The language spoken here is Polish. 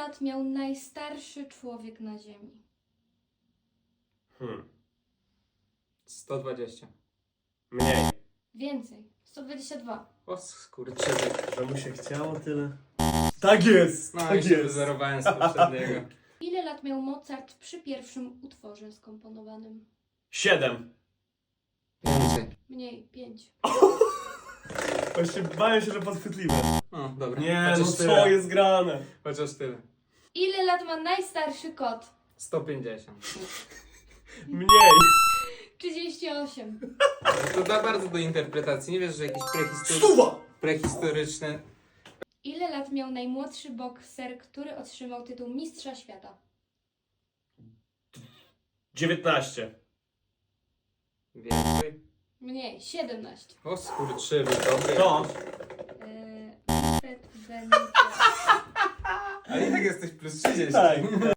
lat miał najstarszy człowiek na Ziemi? 120. Mniej. Więcej. 122. O skurczybyk. Że mu się chciało tyle. Tak jest! No i tak się jest! wyzerowałem z poprzedniego. Ile lat miał Mozart przy pierwszym utworze skomponowanym? 7. Więcej. Mniej. 5. Właśnie bałem się, że podchwytliwe. O, dobra. Nie, Chociaż no tyle. co jest grane? Chociaż tyle. Ile lat ma najstarszy kot? 150. Mniej. 38. To da bardzo do interpretacji. Nie wiesz, że jakieś Stuwa! prehistoryczne... Ile lat miał najmłodszy bokser, który otrzymał tytuł Mistrza Świata? 19. Więcej. Mniej. 17. O skurczybyk, dobry. To. Manfred Benito. Ale i tak jesteś plus 30. Tak.